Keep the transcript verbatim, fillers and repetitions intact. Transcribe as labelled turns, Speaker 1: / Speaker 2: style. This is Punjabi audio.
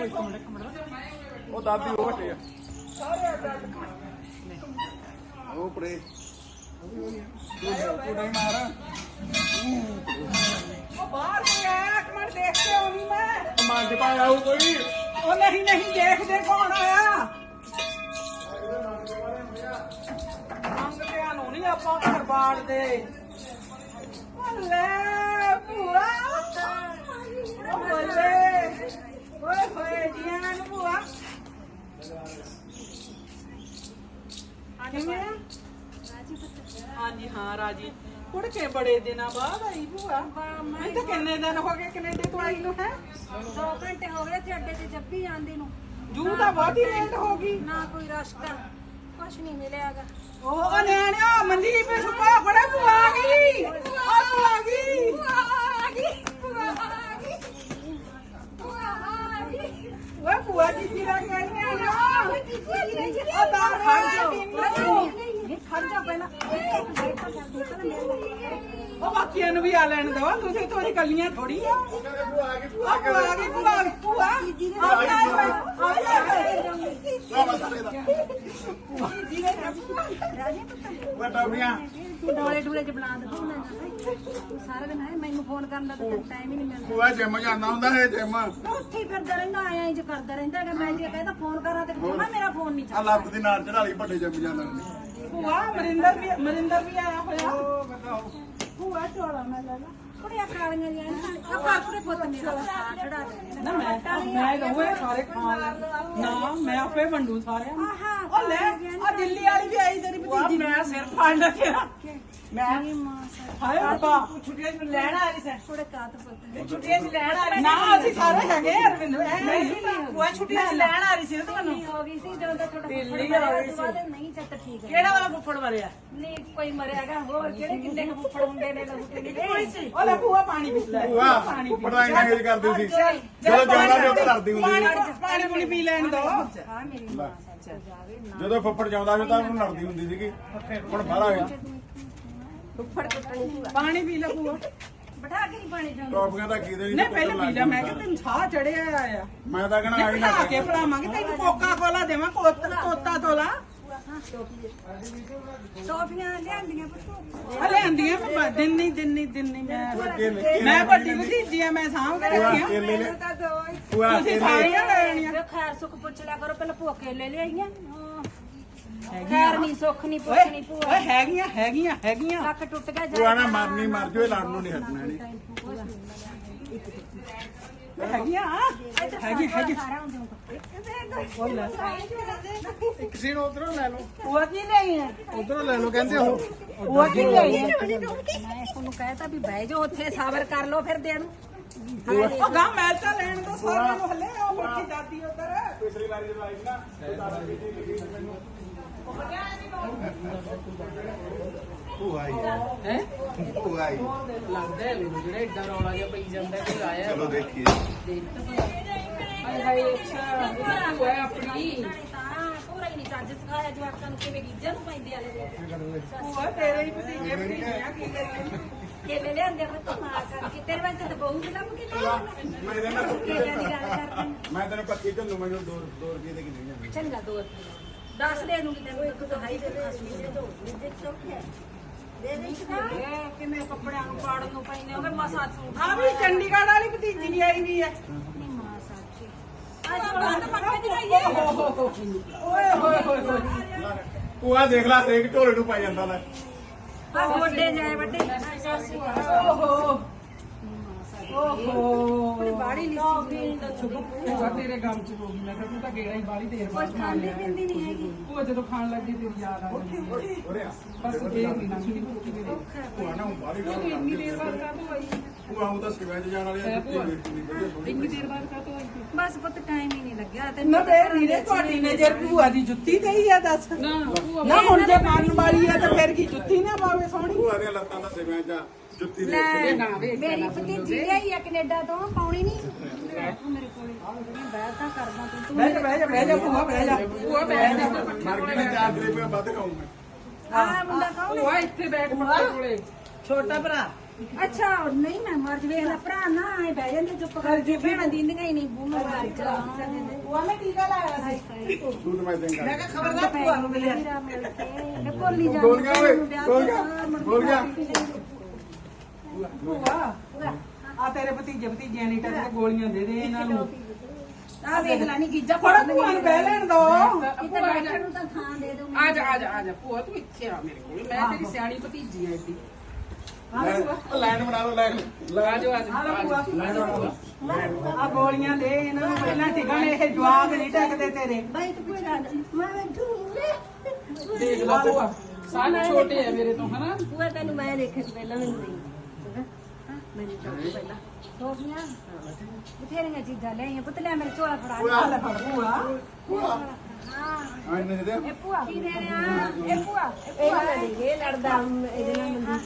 Speaker 1: ਇੱਕ ਮਿੰਟ ਇੱਕ ਮਿੰਟ
Speaker 2: ਉਹ ਦਾਦੀ ਉਹ ਹਟੇ ਆ ਉਹ ਪਰੇ ਤੂੰ ਨਹੀਂ ਮਾਰ
Speaker 1: ਉਹ ਬਾਹਰ ਨਹੀਂ ਆਇਆ ਇੱਕ ਮਿੰਟ ਦੇਖ ਕੇ ਆਉਣੀ ਮੈਂ
Speaker 2: ਮੰਜ ਪਾ ਆਉ ਕੋਈ
Speaker 1: ਉਹ ਨਹੀਂ ਨਹੀਂ ਦੇਖਦੇ ਕੌਣ ਆਇਆ ਮੰਗਦੇ ਨੂੰ ਨਹੀਂ ਆਪਾਂ ਘਰ ਬਾੜ ਦੇ ਲੈ ਭੂਆ ਉਹ ਬੱਲੇ ਓਏ ਹੋਏ ਜੀਆਂ ਨੂੰ ਭੂਆ ਕਿਵੇਂ ਆ ਹਾਂਜੀ ਹਾਂ ਰਾਜੀ ਕੁੜ ਕੇ ਬੜੇ ਦਿਨਾਂ ਬਾਅਦ ਆਈ ਭੂਆ ਮੈਂ ਤਾਂ ਕਿੰਨੇ ਦਿਨ ਹੋ ਗਏ ਕੈਨੇਡਾ ਤੋਂ ਆਈ ਨੂੰ ਹੈ
Speaker 3: ਦੋ ਘੰਟੇ ਹੋ ਗਏ ਤੇ ਅੱਡੇ ਤੇ ਜੱਪੀ ਜਾਂਦੀ ਨੂੰ
Speaker 1: ਜੂ ਤਾਂ ਬਹੁਤ ਹੀ ਲੇਟ ਹੋ ਗਈ
Speaker 3: ਨਾ ਕੋਈ ਰਸਤਾ ਕੁਛ ਨਹੀਂ ਮਿਲਿਆਗਾ
Speaker 1: ਉਹ ਨਿਆਣਿਆ ਮਨਦੀਪ ਸੁਪਾ ਫੜੇ ਭੂਆ ਆ ਗਈ ਆ ਭੂਆ ਆ ਗਈ
Speaker 3: ਆ ਗਈ ਭੂਆ ਆ ਗਈ ਭੂਆ ਆ ਗਈ
Speaker 1: ਓਏ ਭੂਆ ਜੀ ਕੀ ਲੱਗ ਗਈ ਆ ਆ ਤਾਂ
Speaker 3: ਖੜ ਜਾਓ ਖੜ ਜਾਓ ਪਹਿਲਾਂ
Speaker 1: ਉਹ ਬਾਕੀਆਂ ਨੂੰ ਵੀ ਆ ਲੈਣ ਦੋ ਤੁਸੀਂ ਥੋੜੀ ਕੱਲੀਆਂ ਥੋੜੀ ਆ
Speaker 2: ਭੂਆ ਆ ਗਈ ਭੂਆ
Speaker 1: ਆ ਭੂਆ ਆ ਗਈ ਭੂਆ ਆ ਗਈ ਭੂਆ ਆ
Speaker 2: ਉਹ ਟੌਫੀਆਂ
Speaker 3: ਡੋਲੇ ਡੋਲੇ ਚ ਬਣਾ ਦੇ ਤੂੰ ਤੂੰ ਸਾਰਾ ਦਿਨ ਹੈ ਮੈਨੂੰ ਫੋਨ ਕਰਨ ਦਾ ਤਾਂ ਟਾਈਮ ਹੀ ਨਹੀਂ ਮਿਲਦਾ
Speaker 2: ਭੂਆ ਜਿਮ ਜਾਂਦਾ ਹੁੰਦਾ ਹੈ ਜਿਮ
Speaker 3: ਉੱਥੇ ਹੀ ਫਿਰਦਾ ਰਹਿੰਦਾ ਆਇਆ ਇੰਜ ਕਰਦਾ ਰਹਿੰਦਾ ਹੈਗਾ ਮੈਂ ਜੇ ਕਹਿੰਦਾ ਫੋਨ ਕਰਾਂ ਤੇ ਕਹਿੰਦਾ ਮੇਰਾ ਫੋਨ ਨਹੀਂ
Speaker 2: ਆ
Speaker 3: ਚੱਲਦਾ
Speaker 2: ਲੱਤ ਦੀ ਨਾਰ ਚੜਾ ਲਈ ਵੱਡੇ ਜਿਮ ਜਾਂਦਾ
Speaker 1: ਭੂਆ ਮਰਿੰਦਰ ਵੀ ਮਰਿੰਦਰ ਵੀ ਆਇਆ ਹੋਇਆ ਭੂਆ ਚੋਲਾ ਮੈਂ ਲੈ ਲਾ
Speaker 3: ਕੁੜੀਆਂ ਕਾਲੀਆਂ ਜਿਹੀਆਂ ਆ ਪਾਪੜੇ ਪੁੱਤ ਮੇਰਾ ਸਾਹ ਚੜਾ ਦੇ
Speaker 1: ਨਾ ਮੈਂ ਮੈਂ ਰਹੂਏ ਸਾਰੇ ਖਾਣ ਨਾ ਮੈਂ ਆਪੇ ਵੰਡੂ ਸਾਰਿਆਂ ਨੂੰ ਉਹ ਲੈ ਆ ਦਿੱਲੀ ਵਾਲੀ ਵੀ ਆਈ ਤੇਰੀ ਭਤੀਜੀ ਮੈਂ ਸਿਰ ਫੜ ਲਿਆ ਮੈਂ ਹਾਏ ਬਾਬਾ ਛੁੱਟੀਆਂ ਚ ਲੈਣ ਆ ਰਹੀ ਸੈਂ
Speaker 3: ਥੋੜੇ ਕਾਤ ਪੁੱਤ
Speaker 1: ਛੁੱਟੀਆਂ ਚ ਲੈਣ ਆ ਰਹੀ ਨਾ ਅਸੀਂ ਸਾਰੇ ਹੈਗੇ ਅਰਵਿੰਦ ਨਹੀਂ ਉਹ ਛੁੱਟੀਆਂ ਚ ਲੈਣ ਆ ਰਹੀ ਸੀ ਤੁਹਾਨੂੰ
Speaker 3: ਹੋ ਗਈ ਸੀ ਜਦੋਂ ਤੱਕ ਥੋੜਾ
Speaker 1: ਦਿੱਲੀ ਆ ਗਈ ਸੀ
Speaker 3: ਨਹੀਂ ਚੱਤ ਠੀਕ ਹੈ
Speaker 1: ਕਿਹੜਾ ਵਾਲਾ ਫੁੱਫੜ ਮਰਿਆ
Speaker 3: ਨਹੀਂ ਕੋਈ ਮਰਿਆਗਾ ਹੋਰ ਕਿਹੜੇ ਕਿੰਨੇ ਕੁ ਫੁੱਫੜ ਹੁੰਦੇ ਨੇ ਲੋਕ
Speaker 1: ਉਹ ਲੈ ਭੂਆ ਪਾਣੀ ਪੀ ਲੈ
Speaker 2: ਭੂਆ ਪੜਾਈ ਨਾ ਇੰਗੇਜ ਕਰਦੀ ਸੀ ਜਦੋਂ ਜਾਂਦਾ ਸੀ ਉਹ ਕਰਦੀ ਹੁੰਦੀ ਸੀ
Speaker 1: ਪਾਣੀ ਪੂਣੀ ਪੀ ਲੈਣ ਦੋ
Speaker 3: ਹਾਂ ਮੇਰੀ ਮਾਂ ਸੱਚ ਜਾਵੇ ਨਾ
Speaker 2: ਜਦੋਂ ਫੁੱਫੜ ਜਾਂਦਾ ਸੀ ਤਾਂ ਉਹਨੂੰ ਲੜਦੀ ਹੁੰਦੀ ਸੀਗੀ ਹੁਣ ਬਾਹਰ ਆ ਗਿਆ
Speaker 3: ਫੁੱਫੜ ਕੁੱਟਣੀ ਭੂਆ
Speaker 1: ਪਾਣੀ ਪੀ ਲੈ ਭੂਆ
Speaker 3: ਬਿਠਾ ਕੇ ਨਹੀਂ ਪਾਣੀ ਜਾਂਦਾ
Speaker 2: ਟੌਫੀਆਂ ਤਾਂ ਕਿਹਦੇ
Speaker 1: ਨਹੀਂ ਪਹਿਲਾਂ ਪੀ ਲੈ ਮੈਂ ਕਿ ਤੈਨੂੰ ਸਾਹ ਚੜਿਆ ਆ
Speaker 2: ਮੈਂ ਤਾਂ ਕਹਣਾ ਆਈ ਨਾ
Speaker 1: ਬਿਠਾ ਕੇ ਪੜਾਵਾਂਗੇ ਤੈਨੂੰ ਕੋਕਾ ਕੋਲਾ ਦੇਵਾਂ ਕੋਤਾ ਤੋਲਾ
Speaker 3: ਟੋਫੀਆਂ ਲਿਆਂਦੀਆਂ ਪੁੱਤ
Speaker 1: ਹਲੇ ਆਂਦੀਆਂ ਮੈਂ ਦਿਨ ਨਹੀਂ ਦਿਨ ਨਹੀਂ ਦਿਨ ਨਹੀਂ ਮੈਂ ਮੈਂ ਵੱਡੀ ਭਤੀਜੀ ਆ ਮੈਂ ਸਾਂਭ ਕੇ ਰੱਖੀਆਂ
Speaker 2: ਕੇਲੇ ਲੈ ਭੂਆ
Speaker 1: ਤੁਸੀਂ
Speaker 2: ਕੇਲੇ
Speaker 1: ਸਾਰੀਆਂ ਲੈਣੀਆਂ
Speaker 3: ਵੇ ਖੈਰ ਸੁੱਖ ਪੁੱਛ ਲਿਆ ਕਰੋ ਪਹਿਲਾਂ ਭੂਆ ਕੇਲੇ ਲਿਆਈਆਂ ਖੈਰ ਨਹੀਂ ਸੁੱਖ ਨਹੀਂ ਪੁੱਛ ਨਹੀਂ
Speaker 1: ਓਏ
Speaker 3: ਭੂਆ
Speaker 1: ਹੈਗੀਆਂ ਹੈਗੀਆਂ ਹੈਗੀਆਂ
Speaker 3: ਲੱਕ ਟੁੱਟ ਗਿਆ
Speaker 2: ਭੂਆ ਨਾ ਮਰਨੀ ਮਰ ਜਾਓ ਇਹ ਲੜਨ ਨੂੰ ਨਹੀਂ ਹਟਣਾ ਨਹੀਂ
Speaker 1: ਹੈਗੀਆਂ ਹੈਗੀ ਹੈਗੀ
Speaker 3: ਸਾਰਾ ਹੁੰਦੇ
Speaker 2: ਇੱਕ ਸੀਨ ਉਧਰੋਂ ਲੈ ਲਓ
Speaker 1: ਉਹ ਕੀ ਨਹੀਂ ਹੈ
Speaker 2: ਉਧਰੋਂ ਲੈ ਲਓ ਕਹਿੰਦੇ ਉਹ
Speaker 1: ਉਹ ਕੀ ਨਹੀਂ ਹੈ
Speaker 3: ਮੈਂ ਤੁਹਾਨੂੰ ਕਹਿਤਾ ਵੀ ਬਹਿ ਜਾਓ ਉੱਥੇ ਸਾਬਰ ਕਰ ਲਓ ਫਿਰ ਦੇਣ
Speaker 1: ਉਹ ਗਾਂ ਮੈਲ ਤਾਂ ਲੈਣ ਦੋ ਸਾਰਿਆਂ ਨੂੰ ਹੱਲੇ ਉਹ ਬੱਚੀ ਦਾਦੀ ਉਧਰ
Speaker 2: ਪਿਛਲੀ ਵਾਰੀ ਜਦੋਂ ਆਈ ਸੀ ਨਾ ਭੂਆ ਆਈ
Speaker 1: ਹੈ
Speaker 2: ਭੂਆ ਆਈ
Speaker 1: ਲੱਗਦਾ ਹੈ ਮੈਨੂੰ ਜਿਹੜਾ ਏਡਾ ਰੌਲਾ ਜਿਹਾ ਪਈ ਜਾਂਦਾ ਕੋਈ ਆਇਆ
Speaker 2: ਚਲੋ ਦੇਖੀਏ
Speaker 1: ਹਾਏ ਹਾਏ ਅੱਛਾ ਉਹ ਹੈ ਆਪਣੀ
Speaker 3: ਤਾਂ ਪੂਰਾ ਹੀ ਨਹੀਂ ਚੱਜ ਸਿਖਾਇਆ ਜਵਾਕਾਂ ਨੂੰ ਕਿਵੇਂ ਗੀਜਾ ਨੂੰ ਪੈਂਦੇ ਆਲੇ
Speaker 1: ਉਹ ਤੇਰੇ ਹੀ ਭਤੀਜੇ ਭਤੀਜੀਆਂ ਕੀ ਕਰੀਏ
Speaker 3: ਕੇਲੇ ਲਿਆਂਦੇ ਪੁੱਤ ਮਾਰ ਕਰਕੇ ਤੇਰੇ ਵਾਸਤੇ ਤਾਂ ਬਹੁਤ ਲੱਭ ਕੇ ਲਿਆਇਆ
Speaker 2: ਮੈਂ ਇਹਦੇ ਨਾਲ
Speaker 3: ਕੇਲਿਆਂ ਦੀ ਗੱਲ ਕਰਦੇ
Speaker 2: ਮੈਂ ਤੈਨੂੰ ਪੱਕੀ ਝੱਲੂ ਮੈਨੂੰ ਦੋ ਦੋ ਰੁਪਏ ਦੇ ਕਿੰਨੇ ਜਾਂਦੇ
Speaker 3: ਚੰਗਾ ਦੋ ਦੱਸ ਦੇ ਨੂੰ ਕਿਤੇ ਕੋਈ ਇੱਕ ਦਹਾਈ ਦੇ ਖਾਸੀ ਦੇ ਦੋ ਦੇ ਚੌਕੇ ਦੇ ਦੇ
Speaker 1: ਕਿਵੇਂ ਕੱਪੜਿਆਂ ਨੂੰ ਪਾੜਨ ਨੂੰ ਪੈਂਦੇ ਹੋਗੇ
Speaker 3: ਮਸਾ ਸੂਟ
Speaker 1: ਹਾਂ ਵੀ ਚੰਡੀਗੜ੍ਹ ਵਾਲੀ ਭਤੀਜੀ ਨਹੀਂ ਆਈ ਵੀ ਹੈ
Speaker 3: ਨਹੀਂ ਮਾਂ ਸੱਚੀ ਅੱਜ ਬੰਦ ਪੱਕੇ ਦੀ ਰਹੀ
Speaker 1: ਓਏ ਹੋਏ ਹੋਏ ਹੋਏ
Speaker 2: ਭੂਆ ਦੇਖ ਲੈ ਰੇਕ ਢੋਲੇ ਨੂੰ ਪੈ ਜਾਂਦਾ ਲੈ
Speaker 3: ਆ ਵੱਡੇ ਜਾਏ ਵੱਡੇ
Speaker 1: ਓਹੋ ਓਹੋ
Speaker 3: ਬੜੀ ਬਾੜੀ ਲਿਸੀ
Speaker 1: ਉਹ ਤੇਰੇ ਗਮ ਚ ਹੋ ਗਈ ਮੈਂ ਕਿਹਾ ਤੂੰ ਤਾਂ ਗੇੜਾ ਹੀ ਬਾਲੀ ਦੇਰ
Speaker 3: ਕੁਝ
Speaker 1: ਬਾਅਦ
Speaker 3: ਖਾਂਦੀ ਪਿੰਦੀ ਨਹੀਂ ਹੈਗੀ
Speaker 1: ਉਹ ਜਦੋਂ ਖਾਣ ਲੱਗੀ ਤੇਰੀ ਯਾਦ ਆ ਗਈ
Speaker 2: ਉਰੇ ਆ
Speaker 1: ਬਸ ਦੇਖ ਨਹੀਂ ਨਾ ਸੁਣੀ ਭੁੱਖੀ ਦੇ ਦੇ
Speaker 2: ਭੂਆ ਨਾ ਬਾਹਰ ਹੀ
Speaker 1: ਇੰਨੀ ਦੇਰ ਬਾਅਦ ਕਾ ਤੂੰ ਆਈ
Speaker 2: ਭੂਆ ਉਹ ਤਾਂ ਸਿਵਿਆਂ 'ਚ ਜਾਣ ਵਾਲੀ ਆ ਜੁੱਤੀ ਵੇਚਣੀ ਵਧੀਆ ਸੋਹਣੀ
Speaker 1: ਇੰਨੀ ਦੇਰ ਬਾਅਦ ਕਾ ਤੂੰ ਆਈ
Speaker 3: ਬਸ ਪੁੱਤ ਟਾਈਮ ਹੀ ਨਹੀਂ ਲੱਗਿਆ ਤੇ
Speaker 1: ਨਾ ਤੇ ਰੀਰੇ ਤੁਹਾਡੀ ਨਜ਼ਰ ਭੂਆ ਦੀ ਜੁੱਤੀ ਤੇ ਹੀ ਆ ਦੱਸ ਨਾ ਹੁਣ ਜੇ ਪਾਣ ਵਾਲੀ ਆ ਤਾਂ ਫਿਰ ਕੀ ਜੁੱਤੀ ਨਾ ਪਾਵੇ ਸੋਹਣੀ
Speaker 2: ਭੂਆ ਦੀਆਂ ਲੱਤਾਂ ਦਾ ਸਿਵਿਆਂ 'ਚ ਜੁੱਤੀ ਦੇ
Speaker 3: ਲੈ ਮੇਰੀ ਭਤੀਜੀ ਆਈ ਆ ਕੈਨੇਡਾ ਤੋਂ ਪਾਉਣੀ ਨਹੀਂ ਮੇਰੇ ਕੋਲੇ ਬਹਿ ਤਾਂ ਕਰਦਾ ਤੂੰ
Speaker 1: ਬਹਿ ਜਾ ਬਹਿ ਜਾ ਬਹਿ ਜਾ ਭੂਆ ਬਹਿ ਜਾ ਭੂਆ ਬਹਿ ਜਾ
Speaker 2: ਮਾਰਕੀਟ ਦੇ ਚਾਰ ਰੁਪਏ ਵੱਧ ਖਾਊਂ ਮੈਂ
Speaker 3: ਆ ਮੁੰਡਾ ਕੌਣ
Speaker 1: ਭੂਆ ਇੱਥੇ ਬੈਠ ਮੁੰਡੇ ਕੋਲੇ ਛੋਟਾ ਭਰਾ
Speaker 3: ਅੱਛਾ ਨਹੀਂ ਮੈਂ ਮਰ ਜਵੇ ਨਾ ਭਰਾ ਨਾ ਆਏ ਬਹਿ ਜਾਂਦੇ ਚੁੱਪ ਕਰਕੇ ਭੈਣਾਂ ਦਿੰਦੀਆਂ ਹੀ ਨਹੀਂ ਬੂਮਾ ਮਾਰ ਚਲਾਉਣਾ
Speaker 1: ਉਹ ਮੈਂ ਟੀਕਾ ਲਾਇਆ ਸੀ
Speaker 2: ਤੂੰ ਤਾਂ ਮੈਂ ਦੇਂਗਾ
Speaker 1: ਮੈਂ ਕਿਹਾ ਖਬਰਦਾਰ ਭੂਆ ਨੂੰ ਮਿਲਿਆ
Speaker 3: ਨੇ ਕੋਲੀ ਜਾ
Speaker 2: ਬੋਲ ਗਿਆ ਓਏ ਬੋਲ ਗਿਆ ਬੋਲ ਗਿਆ
Speaker 1: ਭੂਆ ਆ ਤੇਰੇ ਭਤੀਜੇ ਭਤੀਜਿਆਂ ਨੇ ਟੱਕ ਗੋਲੀਆਂ ਦੇ ਦੇ ਇਹਨਾਂ ਨੂੰ
Speaker 3: ਆ ਵੇਖ ਲੈ ਨਹੀਂ ਗਿੱਜਾ
Speaker 1: ਫੜਾ ਭੂਆ ਨੂੰ ਬਹਿ ਲੈਣ ਦੋ
Speaker 3: ਕਿਤੇ ਬੈਠਣ ਨੂੰ ਤਾਂ ਥਾਂ ਦੇ ਦਿਓ
Speaker 4: ਆ ਜਾ ਆ ਜਾ ਆ ਜਾ ਭੂਆ ਤੂੰ ਇੱਥੇ ਆ ਮੇਰੇ ਕੋਲ ਮੈਂ ਤੇਰੀ ਸਿਆਣੀ ਭਤੀਜੀ ਆ ਏਡੀ
Speaker 2: ਲਾਈਨ ਬਣਾ ਲਓ ਲਾਈਨ
Speaker 4: ਆ ਜਾ ਆ ਜਾ
Speaker 1: ਆ ਲੈ ਭੂਆ ਆ ਗੋਲੀਆਂ ਦੇ ਇਹਨਾਂ ਨੂੰ ਪਹਿਲਾਂ ਟਿਕਣ ਇਹ ਜਵਾਬ ਨਹੀਂ ਟੱਕਦੇ ਤੇਰੇ
Speaker 3: ਬਾਈ ਤੂੰ ਕੋਈ ਨਾ ਮੈਂ ਬੈਠੂ
Speaker 4: ਦੇਖ ਲਾ ਭੂਆ ਸਾਰੇ ਛੋਟੇ ਆ ਮੇਰੇ ਤੋਂ ਹਨਾ
Speaker 3: ਪੂਆ ਤੈਨੂੰ ਮੈਂ ਦੇਖੇ ਪਹਿਲਾਂ ਮੈਨੂੰ ਦੇ ਮੈਨੂੰ ਚਾਹ ਪਹਿਲਾਂ ਸੋਫੀਆਂ ਬਥੇਰੀਆਂ ਚੀਜ਼ਾਂ ਲਿਆਈਆਂ ਪੁੱਤ ਲੈ ਮੇਰੇ ਝੋਲਾ ਫੜਾ
Speaker 1: ਆ ਲੈ ਫੜ ਭੂਆ
Speaker 2: ਭੂਆ
Speaker 3: ਹਾਂ
Speaker 2: ਆ ਇਹਨੇ ਦੇ
Speaker 3: ਇਹ ਭੂਆ ਕੀ ਦੇ ਰਿਹਾ ਇਹ ਭੂਆ ਇਹ ਭੂਆ ਇਹ ਲੜਦਾ ਇਹਦੇ ਨਾਲ ਮੰਦੀ